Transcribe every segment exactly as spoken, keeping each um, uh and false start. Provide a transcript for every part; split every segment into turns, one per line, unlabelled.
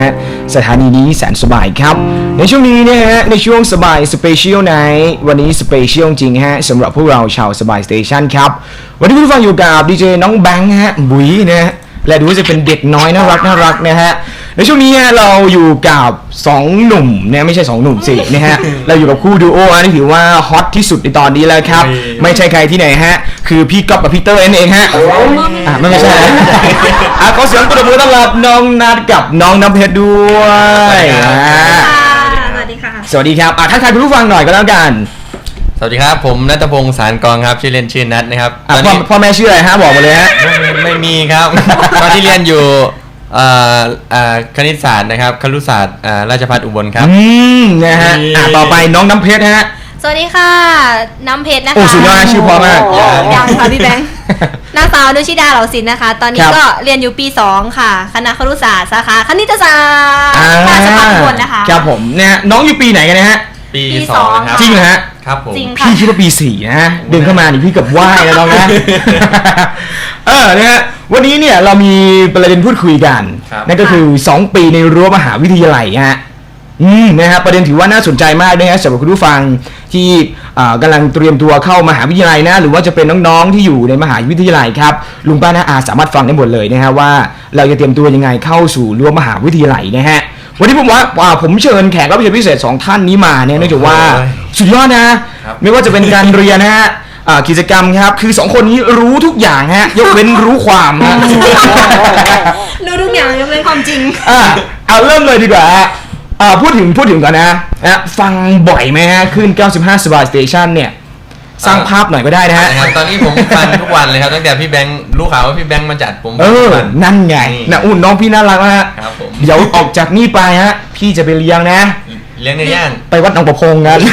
สถานีนี้แสนสบายครับในช่วงนี้นะฮะในช่วงสบายสเปเชียลไนท์วันนี้สเปเชียลจริงฮะสำหรับพวกเราชาวสบายสเตชันครับวันนี้ผู้ฟังอยู่กับดีเจน้องแบงค์ฮะบุ๋ยนะฮะและดูว่าจะเป็นเด็กน้อยน่ารักน่ารักนะฮะในช่วงนี้เราอยู่กับสองหนุ่มเนี่ยไม่ใช่สองหนุ่มสินะฮะเราอยู่กับคู่ดูโอที่ถือว่าฮอตที่สุดในตอนนี้แล้วครับไม่ใช่ใครที่ไหนฮะคือพี่ก๊อฟกับพี่เตอร์นั่นเองฮะอ่าไม่ไม่ใช่นะอ่ะขอเสียงปรบมือต้อนรับน้องนัทกับน้องน้ำเพชรด้วย
สวัสดีค่ะ
สวัสดีครับอ่ะทักทายคุณผู้ฟังหน่อยก็แล้วกัน
สวัสดีครับผมณัฐพงศ์สารกองครับชื่อเล่นชื่อนัทนะครับ
อ่ะพ่อพ่อแม่ชื่ออะไรฮะบอกมาเลยฮะ
ไม่ไม่มีครับ ตอนที่เรียนอยู่อ่าอ่าคณิตศาสตร์นะครับครุศาสตร์อ่าราชภัฏอุบลครับ
อืมนะฮะอ่ะต่อไปน้องน้ำเพชรฮะ
สวัสดีค่ะน้ำเพชรนะคะ
โอ้สุดยอดชื่อพอมาก
ยังค่ะพี่แบงค์นางสาวนุชิดาเหล่าศิลป์นะคะตอนนี้ก็เรียนอยู่ปีสองค่ะคณะครุศาสตร์สาขาคณิตศาสตร์ราชภัฏอุบลนะคะ
ครับผมเนี่ยน้องอยู่ปีไหนกันนะฮะ
ปีสองครับ
จริงเหรอฮะ
ครับผม
พี่คิดว่าปีสี่นะเดินเข้ามานี่พี่กับไหว้แล้วน้องนะเออนะฮะวันนี้เนี่ยเรามีประเด็นพูดคุยกันนั่นก็คือสองปีในรั้วมหาวิทยาลัยฮะอืมนะฮะประเด็นถือว่าน่าสนใจมากนะฮะสำหรับคุณผู้ฟังที่กำลังเตรียมตัวเข้ามหาวิทยาลัยนะหรือว่าจะเป็นน้องๆที่อยู่ในมหาวิทยาลัยครับลุงป้าน้าอาสามารถฟังได้หมดเลยนะฮะว่าเราจะเตรียมตัวยังไงเข้าสู่รั้วมหาวิทยาลัยนะฮะวันนี้ผมว่าผมเชิญแขกรับเชิญพิเศษสองท่านนี้มาเนี่ยเนื่องจากว่าสุดยอดนะไม่ว่าจะเป็นการเรียนนะฮะกิจกรรมครับคือสองคนนี้รู้ทุกอย่างฮะยกเว้นรู้ความฮะ
รู้ทุกอย่างยกเว้นความจริง
อ่าเอาเริ่มเลยดีกว่าอ่าพูดถึงพูดถึงก่อนนะนะฟังบ่อยไหมฮะขึ้นเก้าสิบห้าสบายสเตชันเนี่ยสร้างภาพหน่อยก็ได้นะฮะ
ตอนนี้ผมฟังทุกวันเลยครับตั้งแต่พี่แบงค์รู้ข่าวว่าพี่แบงค์มาจัดผม
เออนั่นไงนะอุ่นน้องพี่น่ารักมาก
ครับผม
เดี๋ยวออกจากนี่ไปฮะพี่จะไปเลี้ยงนะ
เลี้ยงในย่าน
ไปวัดหนองประพงกัน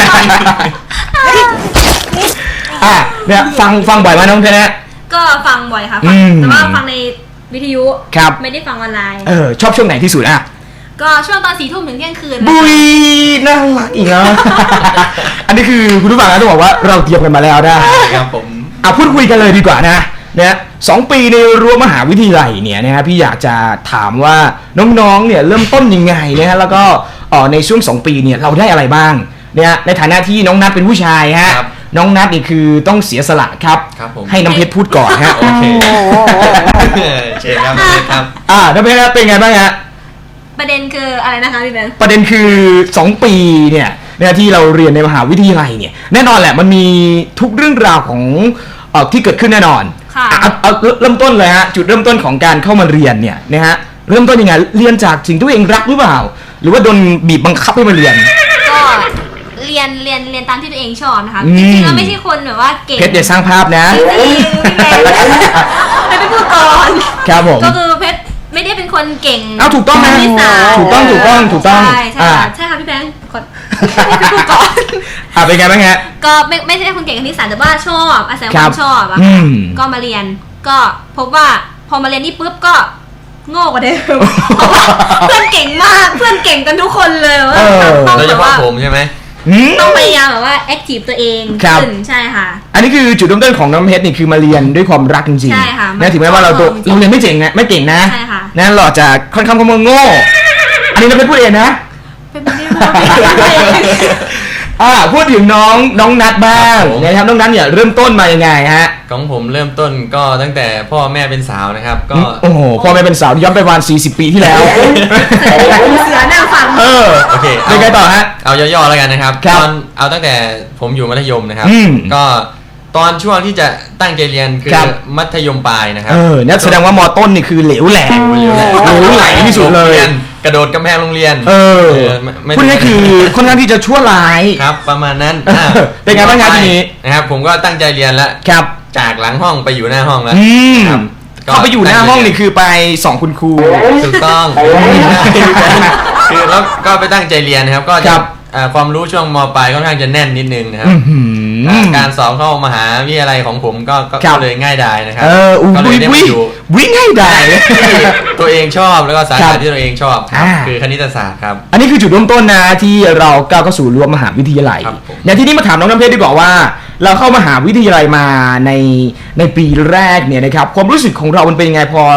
อ่ะเนี่ยฟังฟังบ่อยไหมน้องเพชรนะ
ก็ฟังบ่อยค่ะแต่ว่าฟังในวิทยุไม่ได้ฟังออนไลน์
เออชอบช่วงไหนที่สุดอ่ะ
ก็ช่วงตอนสี่ทุ่มถึงเที่ยงคืน
บุยน่ารักอีกแล้วอันนี้คือคุณผู้ฟังนะต้องบอกว่าเราเตรียมกันมาแล้วนะครับ
ผม
อ่ะพูดคุยกันเลยดีกว่านะเนี่ยสองปีในรั้วมหาวิทยาลัยเนี่ยนะฮะพี่อยากจะถามว่าน้องๆเนี่ยเริ่มต้นยังไงนะฮะแล้วก็อ๋อในช่วงสองปีเนี่ยเราได้อะไรบ้างเนี่ยในฐานะที่น้องนัทเป็นผู้ชายฮะน้องนัทนี่คือต้องเสียสละครับให้น้ำเพชรพูดก่อนฮะ
โอเคเชิญครับครับ
อ่าน้ำเพชรเป็นไงบ้างฮะ
ประเด็นคืออะไรนะคะพี่แบงค์
ประเด็นคือสองปีเนี่ยเนี่ยที่เราเรียนในมหาวิทยาลัยเนี่ยแน่นอนแหละมันมีทุกเรื่องราวของเอ่อที่เกิดขึ้นแน่นอน
ค่ะ
เอาเอาเริ่มต้นเลยฮะจุดเริ่มต้นของการเข้ามาเรียนเนี่ยนะฮะเริ่มต้นยังไงเรียนจากสิ่งที่ตัวเองรักหรือเปล่าหรือว่าโดนบีบบังคับให้มาเรียน
ก็เรียนเรียนเรียนตามที่ตัวเองชอบนะคะจริงๆแล้วไม่ใช่คนแบบว่าเก่ง
เพชรเดี๋ยวสร้างภาพนะ
จริงๆพี่แบงค์ไม่ไปพูดก่อน
ครับผม
ก็คือเพชรไม่ได้เป็นคนเก่ง
เอาถูกต้องนะถูกต้องถูกต้องถูกต้อง
ใช่ใช่ค่ะใช่ค่ะพี่แบงค์กดไม่พูดก่อน
อ่ะเป็นไงบ้างฮะ
ก็ไม่ไม่ใช่คนเก่งคณิตศาสตร์แต่ว่าชอบอาศัยความชอบอะก็มาเรียนก็พบว่าพอมาเรียนนี่ปุ๊บก็โง่กว่าเดิมเพื่อนเก่งมากเพื่อนเก่งกันทุกคนเลยว่า
โดยเฉพาะผมใช่ไหม
ต้องพยายามแบบว่าแอคทีฟตัวเองขึ้นใช่ค่ะ
อันนี้คือจุดเริ่มต้นของน้ำเพชรนี่คือมาเรียนด้วยความรักจริงๆ
ใช่ค่ะ
นะถึงแม้ว่าเราตัวเราเรียนไม่เก่งนะไม่เก่งนะ
ใช่ค่ะ
นะเราจะค่อนข้างค่อนข้างโง่อันนี้น้ำเพชรพูดเองนะ
เป็นไม่ได้
อ่าพูดถึงน้องน้องนัทบ้างนะครับน้องนัทเนี่ยเริ่มต้นมายังไงฮะ
ของผมเริ่มต้นก็ตั้งแต่พ่อแม่เป็นสาวนะครับก็
โอ้โหพ่อแม่เป็นสาวย้อนไปประมาณสี่สิบปีที่แล้ว
เสือหน้าฟัง
เออ
โอเค
เป็นไงต่อฮะ
เอาย่อๆแล้วกันนะครับตอนเอาตั้งแต่ผมอยู่มัธยมนะครับก็ตอนช่วงที่จะตั้งใจเรียนคือมัธยมปลายนะครับ
เออนั่นแสดงว่าม.ต้นนี่คือเหลวแหลกเหลวไหลที่สุดเลย
กระโดดกำแพงโรงเรียน
เออคุณนี่คือค่อนข้างที่จะชั่วร้าย
ครับประมาณนั้น
เป็นไงบ้างครับทีนี้
นะครับผมก็ตั้งใจเรียนแล้ว
ครับ
จากหลังห้องไปอยู่หน้าห้องแล้ว
ครับเขาไปอยู่หน้าห้องนี่คือไปสองคุณครู
ถูกต้องคือแล้วก็ไปตั้งใจเรียนนะครับก็จะความรู้ช่วงม.ปลายค่อนข้างจะแน่นนิดนึงนะครับการสอบเข้ามหาวิทยาลัยของผมก็ก็เลยง่ายดายนะครับ
ก็เลยได้มาอยู่วิ่งง่ายดาย
ตัวเองชอบแล้วก็สาขาที่ตัวเองชอบคือคณิตศาสตร์ครับ
อันนี้คือจุดเริ่มต้นนะที่เราก้าวเข้าสู่รั้วมหาวิทยาลัยอย่างที่นี่มาถามน้องน้ำเพชรดีกว่าว่าเราเข้ามหาวิทยาลัยมาในในปีแรกเนี่ยนะครับความรู้สึกของเรามันเป็นยังไงพอพ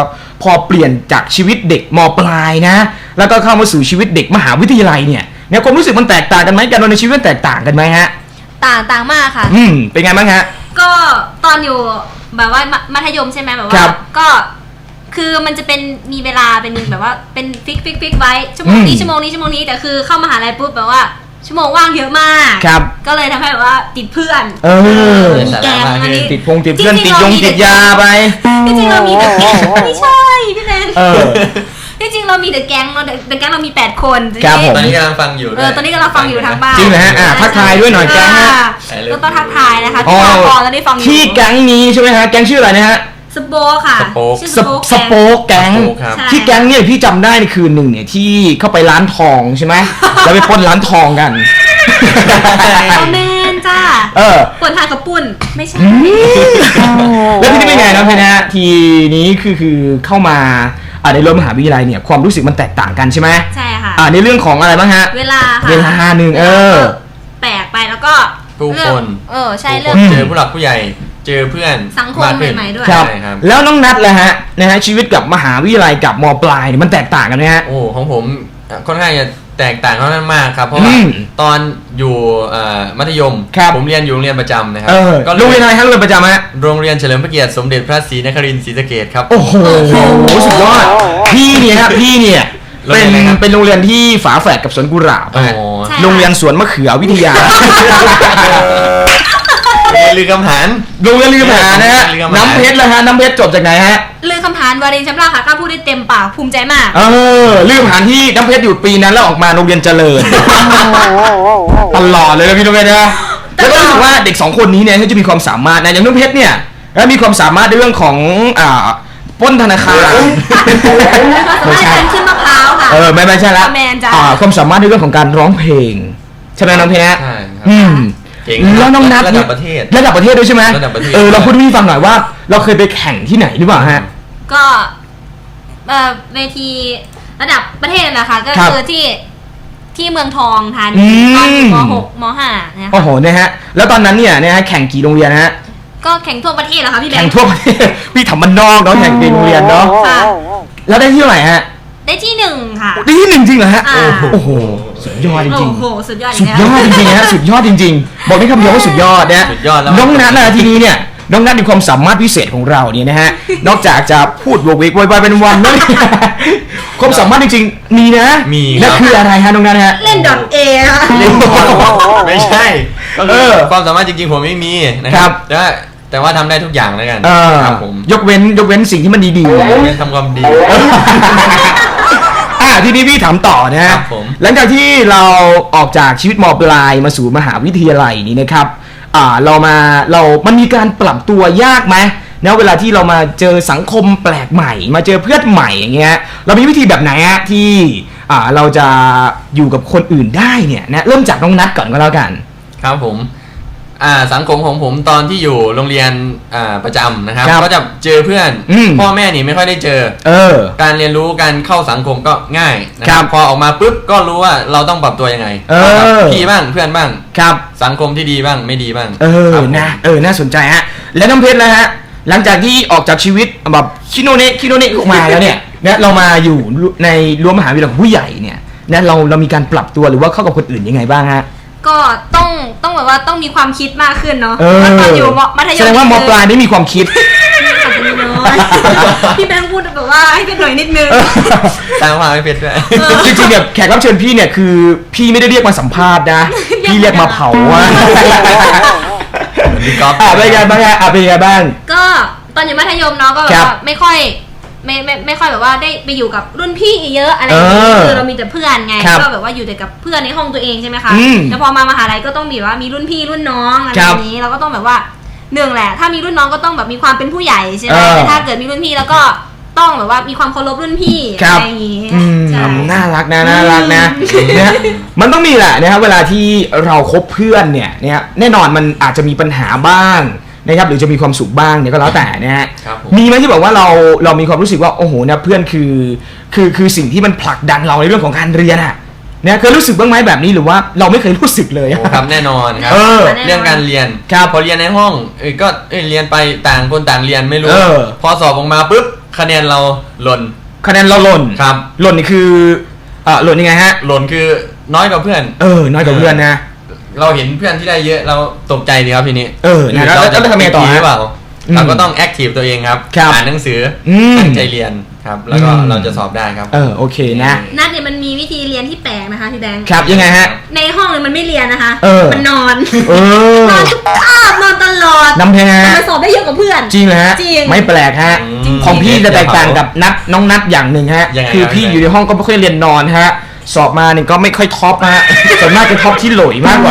พอเปลี่ยนจากชีวิตเด็กมปลายนะแล้วก็เข้ามาสู่ชีวิตเด็กมหาวิทยาลัยเนี่ยเนี่ยความรู้สึกมันแตกต่างกันไหมการดำเนินชีวิตมันแตกต่างกันไหมฮะ
ต่างต่างมากค่ะ
อืมเป็นไงบ้างฮะ
ก็ตอนอยู่แบบว่ามัธยมใช่ไหมแบบว่าก็คือมันจะเป็นมีเวลาเป็นแบบว่าเป็นฟิกฟิกฟิกไว้ชั่วโมงนี้ชั่วโมงนี้ชั่วโมงนี้แต่คือเข้ามหาลัยปุ๊บแบบว่าชั่วโมงว่างเยอะมากก็เลยทำให้แบบว่าติดเพื่อน
เออ
แกงอันนี้
ติดพงติดเพื่อนติดยงติดยาไป
จริงๆเรามีแต่แกงไม่ใช่พี่แมนจริงๆเรามีแต่แก๊งเราแต่แก๊งเรามีแปดคน
ครับผม
ตอนนี้กำลังฟังอยู่
เออตอนนี้กำลังฟังอยู่ทางบ้าน
จริงเหรอฮะอ่ะทักทายด้วยหน่อยแก๊งฮะ
ก็ต้องทักทายนะคะที่ฟังพอแล้วได้ฟังอยู่
ที่แก๊งนี้ใช่ไหมฮะแก๊งชื่ออะไรนะฮะ
สโป๊กค่ะ
ชื่อสโป๊กแก๊งที่แก๊งเนี่ยพี่จำได้ในคืนหนึ่งเนี่ยที่เข้าไปร้านทองใช่ไหมแล้วไปปล้นร้านทองกัน
เอาแมนจ้า
เออ
ปล้นทานกับปุ้นไม่ใช่
แล้วที่นี่เป็นไงน้องเพชรนะทีนี้คือคือเข้ามาในรั้วมหาวิทยาลัยเนี่ยความรู้สึกมันแตกต่างกันใช่ไหม
ใช่ค่ะ
อ่าในเรื่องของอะไรบ้างฮะ
เวลาค่ะ
เวลาหนึ่งเออ
แปลกไปแล้วก็
ผู้คน
เออใช่เรื่อง
เจอผู้หลักผู้ใหญ่เจอเพื่อน
สังคมใหม่ๆด้วย
ครับแล้วน้องนัทล่ะฮะนะฮะชีวิตกับมหาวิทยาลัยกับม.ปลายเนี่ยมันแตกต่างกันไหมฮะ
โอ้ของผมค่อนข้างจะแตกต่างค่อนข้างมากครับเพราะว่าตอนอยู่มัธยมผมเรียนอยู่โรงเรียนประจำนะครับ
ก็โรงเรียนอะไรครับโรงเรียนประจำฮะ
โรงเรียนเฉลิมพระเกียรติสมเด็จพระศรีนครินทร์ศรีสะเกษครับ
โอ้โหสุดยอดพี่เนี่ยครับพี่เนี่ยเป็นเป็นโรงเรียนที่ฝาแฝดกับสวนกุหลาบโรงเรียนสวนมะเขือวิทยา
ลือคำหาน
โรงเรียนลือคำหานนะฮะน้ำเพชรเลยฮะน้ำเพชรจบจากไหนฮะ
ลือคำหานวารินชำราค่ะกล้าพูดได้เต็มปากภูมิใจมาก
เออลือคำหานที่น้ำเพชรอยู่ปีนั้นแล้วออกมาโรงเรียนเจริญตลอดเลยนะพี่น้องเพชรนะแล้วก็รู้สึกว่าเด็กสองคนนี้เนี่ยเขาจะมีความสามารถนะอย่างน้ำเพชรเนี่ยมีความสามารถในเรื่องของอ่าปล้นธนาคาร
ไม่ใช่ขึ้นมะพร้าวค่ะ
เออไม่ไม่ใช่ละอ่าความสามารถในเรื่องของการร้องเพลงใช่ไหมน้องเพชร
ใช่
อืมแล้วน้องนัท
ระดับประเทศ
ระดับประเทศด้วยใช่ไหมเออเราพูดให้พี่ฟังหน่อยว่าเราเคยไปแข่งที่ไหนหรือเปล่าฮะ
ก็เอ่อเวทีระดับประเทศนะคะก็คือที่ที่เมืองทองธานีตอนม.หกม.ห้านะคะ
โอ้โหนะฮะแล้วตอนนั้นเนี่ยนะฮะแข่งกี่โรงเรียนฮะ
ก็แข่งทั่วประเทศเหรอคะพี่แบงค์
แข่งทั่วประเทศพี่ทำมันนอกเนาะแข่งเป็นโรงเรียนเนาะแล้วได้ที่เท่าไหร่ฮะ
ได้ที่หนึ่งค่ะ
ได้ที่หนึ่งจริงเหรอฮะโอ้โหสุดยอดจริงๆ
โอ้โหสุดยอด
สุดยอดจริงๆฮะสุดยอดจริงๆบอกได้คำเดียวว่าสุดยอดนะน้องนัทนะทีนี้เนี่ยน้องนัทมีความสามารถพิเศษของเราเนี่ยนะฮะนอกจากจะพูดโวกเวกโวยวายเป็นวันแล้วความสามารถจริงๆมีนะ
มี
นั่นคืออะไรฮะน้องนัทฮะ
เล่นดอทเอค่ะ
ไม่ใช่ก็คือความสามารถจริงๆผมไม่มีนะครับแต่แต่ว่าทำได้ทุกอย่างแล้วกัน
ครับผมยกเว้นยกเว้นสิ่งที่มันดีๆ
ยกเว้นทำความดี
อ่าทีนี้พี่ถามต่อนะฮะหลังจากที่เราออกจากชีวิตม.ปลายมาสู่มหาวิทยาลัยนี้นะครับอ่าเรามาเรามันมีการปรับตัวยากไหมนะเวลาที่เรามาเจอสังคมแปลกใหม่มาเจอเพื่อนใหม่อย่างเงี้ยเรามีวิธีแบบไหนฮะที่อ่าเราจะอยู่กับคนอื่นได้เนี่ยนะเริ่มจากน้องนัทก่อนก็แล้วกัน
ครับผมอ่าสังคมของผมตอนที่อยู่โรงเรียนอ่าประจำนะครับก็จะเจอเพื่อนพ่อแม่นี่ไม่ค่อยได้เจอ
เออ
การเรียนรู้การเข้าสังคมก็ง่ายนะครับพอออกมาปุ๊บก็รู้ว่าเราต้องปรับตัวยังไงพี่บ้างเพื่อนบ้าง
ครับ
สังคมที่ดีบ้างไม่ดีบ้าง
เออนะเออน่าสนใจฮะแล้วน้ำเพชรนะฮะหลังจากที่ออกจากชีวิตแบบคิโนเนะคิโนเนะออกมาแล้วเนี่ยเนี่ยเรามาอยู่ในรั้วมหาวิทยาลัยของผู้ใหญ่เนี่ยนะเราเรามีการปรับตัวหรือว่าเข้ากับคนอื่นยังไงบ้างฮะ
ก็ต้องต้องแบบว่าต้องมีความคิดมากขึ้นเนาะตอนอยู่มัธยม
แสดงว่าม.ปลายได้มีความคิด
พี่แบงค์พูดแบบว่าให้เป็นหน่อยนิดนึง
ตามมาไม่เป็นด้วย
จริงๆเนี่ยแขกรับเชิญพี่เนี่ยคือพี่ไม่ได้เรียกมาสัมภาษณ์นะพี่เรียกมาเผาอ่ะอ่ะเป็นไงบ้างอ่ะเป็นไงบ้าง
ก็ตอนอยู่มัธยมเนาะก็แบบไม่ค่อยไม่ไม่ไม่ค่อยแบบว่าได้ไปอยู่กับรุ่นพี่เยอะอะไรอย่างเงี้ยคือเรามีแต่เพื่อนไงก็แบบว่าอยู่แต่กับเพื่อนในห้องตัวเองใช่ไหมคะแต่พอมามหาลัยก็ต้องมีว่ามีรุ่นพี่รุ่นน้องอะไรอย่างนี้เราก็ต้องแบบว่าหนึ่งแหละถ้ามีรุ่นน้องก็ต้องแบบมีความเป็นผู้ใหญ่ใช่ไหมแต่ถ้าเกิดมีรุ่นพี่แล้วก็ต้องแบบว่ามีความเคารพรุ่นพี่อะไรอย่างนี้
น่ารักนะน่ารักนะเนี่ยมันต้องมีแหละนะครับเวลาที่เราคบเพื่อนเนี่ยเนี่ยแน่นอนมันอาจจะมีปัญหาบ้างนะครับหรือจะมีความสุขบ้างเนี่ยก็แล้วแต่นะฮะมีไหมที่บอกว่าเราเรามีความรู้สึกว่าโอ้โหนะเพื่อนคือคือคือสิ่งที่มันผลักดันเราในเรื่องของการเรียนอะเนี่ยเคยรู้สึกบ้างไหมแบบนี้หรือว่าเราไม่เคยรู้สึกเลย
ครับแน่นอนครับเรื่องการเรียนพอเรียนในห้องเออก็เรียนไปต่างคนต่างเรียนไม่รู้พอสอบออกมาปุ๊บคะแนนเราหล่น
คะแนนเราหล่น
ครับ
หล่นนี่คือเออหล่นยังไงฮะ
หล่นคือน้อยกว่าเพื่อน
เออน้อยกว่าเพื่อนนะ
เราเห็นเพื่อนที่ได้เยอะเราตกใจดีครับทีนี้
เออนะแล้ว
เราจะ
แล้วทำไงต่อฮะ
หรือเปล่า
อืม
เราก็ต้องแอคทีฟตัวเองครับ
ครับ
อ่านหนังสืออ
ม
ตั้งใจเรียนครับ แล้วก็
อืม
เราจะสอบได้ครับ
เออโอเคนะ
นัดเนี่ยมันมีวิธีเรียนที่แปลกนะคะพี่แบงค์
ครับยังไงฮะ
ในห้องเนี่ยมันไม่เรียนนะคะ
เออ
มันนอน
เออน
อนทุกคาบนอนตลอด
น้ำแพ้
แต่มันสอบได้เยอะกว่าเพื่อน
จริงเหรอฮะ
จริง
ไม่แปลกฮะ
จริง
ของพี่จะแตกต่างกับนัดน้องนัดอย่างหนึ่งฮะ
ยังไง
คือ
ครับ
พี่อยู่ในห้องก็ไม่ค่อยเรียนนอนฮะสอบมาเนี่ยก็ไม่ค่อยท็อปฮะ ส่วนมากจะท็อปที่โหลยมากกว่า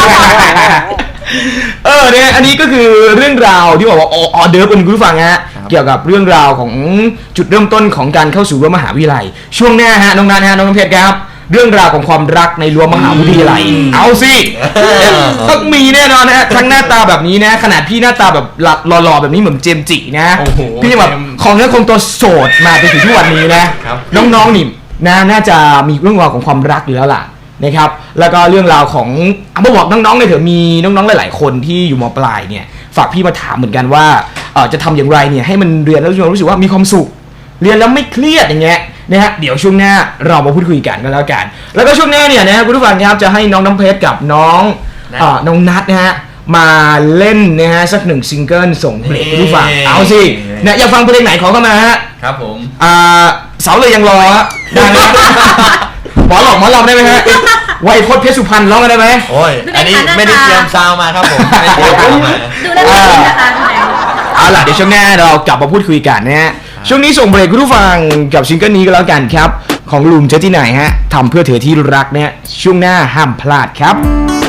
เออเนี่ยอันนี้ก็คือเรื่องราวที่บอกว่าออเดิร์ฟเป็นคุณผู้ฟังฮะ
ครับ
เกี่ยวกับเรื่องราวของจุดเริ่มต้นของการเข้าสู่รั้วมหาวิทยาลัยช่วงหน้าฮะน้องนัทฮะน้องน้ำเพชรครับเรื่องราวของความรักในรั้วมหาวิทยาลัยเอาสิต้องมีแน่นอนนะฮะทั้งหน้าตาแบบนี้นะขนาดพี่หน้าตาแบบหล่อๆแบบนี้เหมือนเจมส์จินะ
โอ้โห
พี่ยังแบบของเนื้อคงตัวโสดมาจนถึงทุกวันนี้นะครับ น้องๆนี่นะน่าจะมีเรื่องราวของความรักอยู่แล้วล่ะนะครับแล้วก็เรื่องราวของเอามาบอกน้องๆเลยเถอะมีน้องๆหลายๆคนที่อยู่มปลายเนี่ยฝากพี่มาถามเหมือนกันว่าเอ่อจะทำอย่างไรเนี่ยให้มันเรียนแล้วรู้สึกว่ามีความสุขเรียนแล้วไม่เครียดอย่างเงี้ยนะฮะเดี๋ยวช่วงหน้าเรามาพูดคุยกันกันแล้วกัน แล้วก็ช่วงหน้าเนี่ยนะคุณผู้ฟังครับจะให้น้องน้ำเพชรกับน้องเอ่อน้องนัทนะฮะมาเล่นนะฮะสักหนึ่งซิงเกิลส่งเบรกคุณผู้ฟังเอาสิเนี่ยอยากฟังเพลงไหนขอเข้ามาฮะ
ครับผม
อ่าเสาเลยยังรอฮะได้ไหมหมอหลอกหมอหลอกได้ไหมฮะไวยพจน์เพชรสุพรรณร้องกันได้ไหม
โอ้ย อันนี้ไม่ได้เตรียมซาวมาครับผมไม่ได้เตรียมซาวมา
ดูได้ไม่ดีนะคะพี่แบงค์
เอาล่ะเดี๋ยวช่วงหน้าเรากลับมาพูดคุยกันนะฮะช่วงนี้ส่งเบรกคุณผู้ฟังกับซิงเกิลนี้ก็แล้วกันครับของลุงเจอที่ไหนฮะทำเพื่อเธอที่รักเนี่ยช่วงหน้าห้ามพลาดครับ